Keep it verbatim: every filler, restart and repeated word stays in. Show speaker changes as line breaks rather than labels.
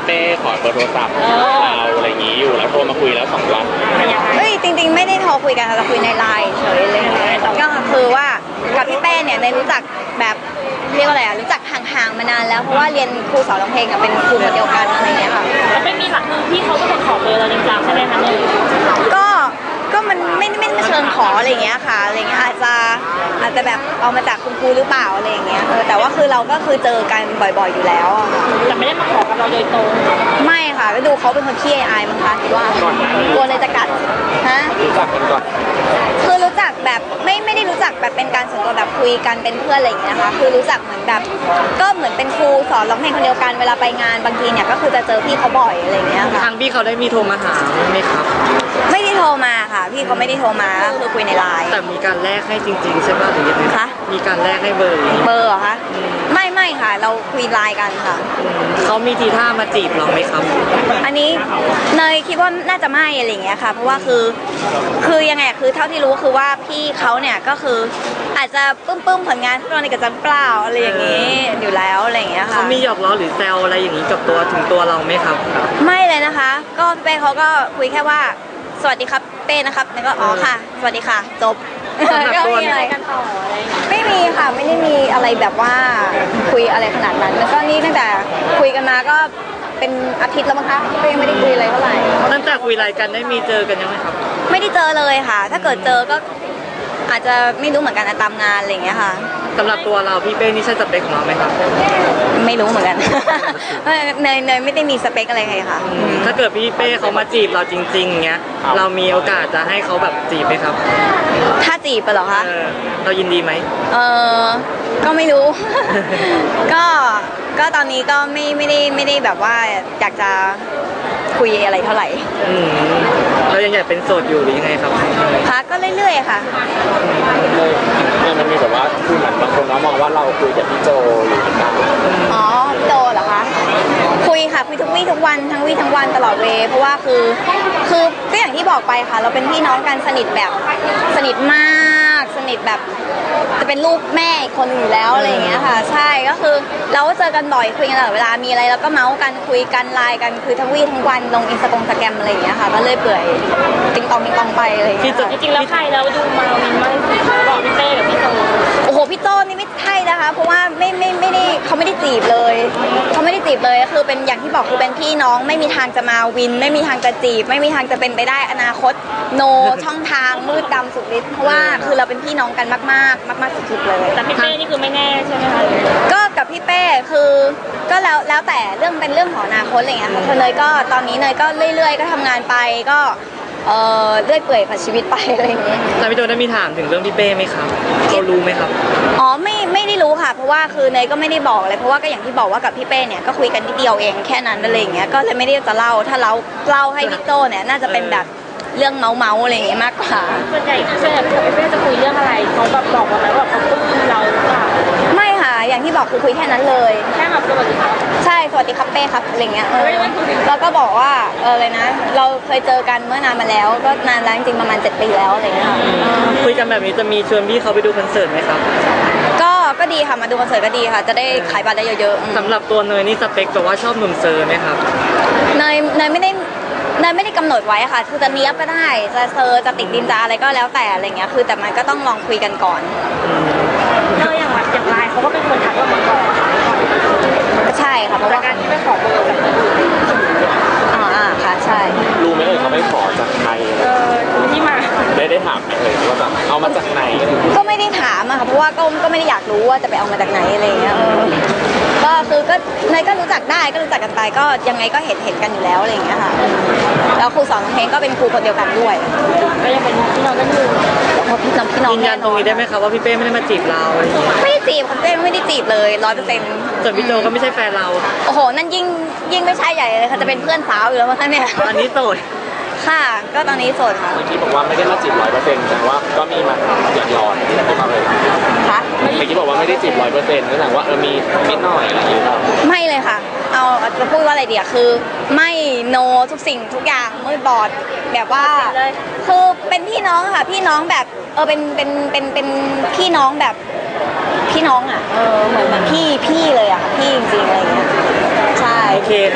เป้ขอเบอร์โทรศัพท์เราอะไรอย่างนี้อยู่แล้วโทรมาคุยแล้วสองวัน
เฮ้ยจริงๆไม่ได้โทรคุยกันค่ะเราคุยในไลน์เฉยเลยก็คือว่ากับพี่เป้เนี่ยในรู้จักแบบเรียกว่าอะไรอ่ะรู้จักห่างๆมานานแล้วเพราะว่าเรียนครูสอนร้องเพลงกับเป็นครูคนเดียวกันอะไรเงี้ยค่ะ
แล้วไม่มีหลักคือพี่เขาก็เป็นขอเบอร์เราจริงๆใช่ไหมคะเนี่ย
ก็ก็มันไม่ไม่ไม่เชิงขออะไรอย่างเงี้ยค่ะอะไรเงี้ยอาจจะอาจจะแบบเอามาจากคุณครูหรือเปล่าอะไรอย่างเงี้ยเออแต่ว่าคือเราก็คือเจอกันบ่อยๆอยู่แล้วอะค่ะ
แต่ไม่ได้มาขอกับเราโดยตรง
ไม่ค่ะก็ดูเขาเป็นคนขี้อายมั้งคะคิดว่ากลัวเลยจะกัดฮะ
รู้จักกันก่อน
คือรู้จักแบบไม่ไม่ได้รู้จักแบบเป็นการส่วนตัวแบบคุยกันเป็นเพื่อนอะไรอย่างเงี้ยนะคะคือรู้จักเหมือนแบบก็เหมือนเป็นครูสอนร้องเพลงคนเดียวกันเวลาไปงานบางทีเนี่ยก็คือจะเจอพี่เขาบ่อยอะไรอย่างเงี้ยค่ะ
ทางพี่เขาได้มีโทรมาหาไหมครับ
ไม่ได้โทรมาค่ะพี่เขาไม่ได้โทรมาก็คือคุยในไลน์
แต่มีการแลกให้จริงๆใช่ป่ะหรือยังไง
คะ
มีการแลกให้เบอร์
เบอร์เหรอคะไม่ไม่ค่ะเราคุยไลน์กันค่ะ
เขามีทีท่ามาจีบเราไหมครับ
อันนี้เนยคิดว่าน่าจะไม่อะไรอย่างเงี้ยค่ะเพราะว่าคือคือยังไงคือเท่าที่รู้คือว่าพี่เขาเนี่ยก็คืออาจจะปึ้มปึ้มผลงานพวกเราในกระจังเปล่าอะไรอย่างงี้อยู่แล้วอะไรอย่างเงี้ยค่ะ
เขามีหยอกล้อหรือแซวอะไรอย่างนี้กับตัวถึงตัวเราไหมครับ
ไม่เลยนะคะก็เป้เขาก็คุยแค่ว่าสวัสดีครับเป้นะครับแล้วก็อ๋อค่ะสวัสดีค่ะจบก็ไม่มีอะไรกันต่ออะไรไม่มีค่ะไม่ได้มีอะไรแบบว่าคุยอะไรขนาดนั้นแล้วก็นี่ตั้งแต่คุยกันมาก็เป็นอาทิตย์แล้วมั้งคะก็ยังไม่ได้คุยอะไรเท่าไหร่
ตั้งแต่คุยรายกันได้มีเจอกันยังไหมครับ
ไม่ได้เจอเลยค่ะถ้าเกิดเจอก็อาจจะไม่รู้เหมือนกันตามงานอะไรอย่างเงี้ยค่ะ
สำหรับตัวเราพี่เป้นี่ใช่สเปคของเราไหมครับ
ไม่รู้เหมือนกันเนยเนยไม่ได้มีสเปคอะไรใครค่ะ
ถ้าเกิดพี่เป้เขามาจีบเราจริงๆเงี้ยเรามีโอกาสจะให้เขาแบบจีบไหมครับ
ถ้าจีบไปเหรอคะ
เรายินดีไหม
เออก็ไม่รู้ ก็ก็ตอนนี้ก็ไม่ไม่ได้ไม่ได้แบบว่าอยากจะคุยอะไรเท่าไหร่
เรายังอยากเป็นโสดอยู่หรือยังไงครับ
คะก็เรื่อยๆค่ะ
เนี่ยมันมีแบบว่าคือเหมือนบางคนเขามองว่าเราคุยกับพี่โจอยู่กัน
อ๋อพี่โจเหรอคะคุยค่ะคุยทุกวี่ทุกวันทั้งวี่ทั้งวันตลอดเวลเพราะว่าคือคือก็อย่างที่บอกไปค่ะเราเป็นพี่น้องกันสนิทแบบสนิทมากสนิทแบบจะเป็นลูกแม่อีกคนอยู่แล้วอะไรอย่างเงี้ยค่ะใช่ก็คือเราก็เจอกันบ่อยคุยกันตลอดเวลามีอะไรเราก็เมาส์กันคุยกันไลน์กันคือทั้งวี่ทั้งวันลงอินสตาแกรมอะไรอย่างเงี้ยค่ะก็เลยเปื่อยติงตองติงตองไปอะไรอย่างเงี้ย
จริงๆแล้วใครเราดูมาวินมากบอกพี่เต้กับพี่โจ
โอ้โหพี่โจนี่ไม่ใช่นะคะเพราะว่าไม่ไม่ไม่ได้เขาไม่ได้จีบเลยเขาไม่ได้จีบเลยคือเป็นอย่างที่บอกคือเป็นพี่น้องไม่มีทางจะมาวินไม่มีทางจะจีบไม่มีทางจะเป็นไปได้อนาคตโนช่องทางมืดดำสุดฤทธิ์เพราะว่าคือเราเป็นพี่น้องกันมากๆมากๆสุดๆเลย
แต่พี่เป้นี่คือไม่แน่ใช่ไหมคะ
ก็กับพี่เป้คือก็แล้วแล้วแต่เรื่องเป็นเรื่องของอนาคตอะไรเงี้ยค่ะเนยก็ตอนนี้เนยก็เรื่อยๆก็ทำงานไปก็เออเลื่อยเปื่อยผ่านชีวิตไปอะไรอย่างเงี้ย
แต่พี่โจได้มีถามถึงเรื่องพี่เป้ไหมครับเขารู้ไหมครับ
อ๋อไม่ไม่ได้รู้ค่ะเพราะว่าคือเนยก็ไม่ได้บอกเลยเพราะว่าก็อย่างที่บอกว่ากับพี่เป้เนี่ยก็คุยกันนิดเดียวเองแค่นั้นอะไรอย่างเงี้ยก็เลยไม่ได้จะเล่าถ้าเราเล่าให้พี่โจเนี่ยน่าจะเป็นแบบเรื่องเมาเมาอะไรอย่างเงี้ยมากกว่า
ส่วนใหญ่ส่วนใหญ่พี่เป้จะคุยเรื่องอะไรเขาแบบบอกว่าแบบเขาปลื้มเราหรือเปล่า
ไม่ค่ะอย่างที่บอกคือคุยแค่นั้นเลย
แค่แบบสวัสดีครับ
ใช่สวัสดีครับเป้ครับอะไรเงี้ยแล้วก็บอกว่าเออเลยนะเราเคยเจอกันเมื่อนานมาแล้วก็นานแล้วจริงๆประมาณเจ็ดปีแล้วอะไรเงี้ย
คุยกันแบบนี้จะมีชวนพี่เขาไปดูคอนเสิร์ตไหมครับ
ก็ก็ดีค่ะมาดูคอนเสิร์ตก็ดีค่ะจะได้ขายบัตรได้เยอะ
ๆสำหรับตัวเนยนี่สเปคแบบว่าชอบหนุ่มเซอร์ไหมครับ
เนยเนยไม่ได้เนยไม่ได้กำหนดไว้ค่ะคือจะเนี้ยบก็ได้จะเซอร์จะติดดินจะอะไรก็แล้วแต่อะไรเงี้ยคือแต่มันก็ต้องลองคุยกันก่อน
เนยอย่างแบบอย่างไลน์เขาก็เป็นคนทักเรามาก่อน
ใช่ค่ะเพราะว่า
การที่ไปขอเบอร์จากคนอื่น
อ่าอ่าค่ะใช่
รู้ไหมเอ่ยเขาไม่ขอจากใคร
เออที่มา
ได้ได้ถามไหมเอ่ยว่าแบบเอามาจากไหน
ก็ไม่ได้ถามอะค่ะเพราะว่าก็ก็ไม่ได้อยากรู้ว่าจะไปเอามาจากไหนอะไรเงี้ยก็คือก็เนยก็รู้จักได้ก็รู้จักกันไปก็ยังไงก็เห็นเห็นกันอยู่แล้วอะไรอย่างเงี้ยค่ะแล้วครูสอนร้องเพลงก็เป็นครูคนเดียวกันด้วย
ก็ยังเป็นพี่น้องกันอยู่
พี่น้องพี่น้อง
ยืนยันตรงนี้ได้ไหมคะว่าพี่เป้ไม่ได้มาจีบเราอะไรอย่างเงี้ย
ไม่ได้จีบคุณเป้ไม่ได้จีบเลยร้อยเปอร์เซ็นต์
ส่วนพี่โจก็ไม่ใช่แฟนเรา
โอ้โหนั่นยิ่งยิ่งไม่ใช่ใหญ่เลยค่ะจะเป็นเพื่อนสาวอยู่แล้วมั้งเนี่ย
ตอนนี้โสด
ค่ะก็ตอนนี้โสดค่ะ
เมื่อกี้บอกว่าไม่ได้มาจีบร้อยเปอร์เซ็นต์แต่ว่าก็มีมาหยอดหยอดเข้ามาเลย
ค่ะ
เมื่อกี้บอกว่าไม่ได้จีบร้อยเปอร์เซ็นต์ก็แสดงว่าเออมีนิดหน่อยอะไรอย่างเงี้ย
ไม่เลยค่ะเอาจะพูดว่าอะไรเดียวคือไม่โนทุกสิ่งทุกอย่างมืดบอดแบบว่าคือเป็นพี่น้องค่ะพี่น้องแบบเออเป็นเป็นเป็นเป็นพี่น้องแบบพี่น้องอ่ะเออเหมือนเหมือนพี่พี่เลยอ่ะพี่จริงๆอะไรอย่างเงี้ยใช่
โอเค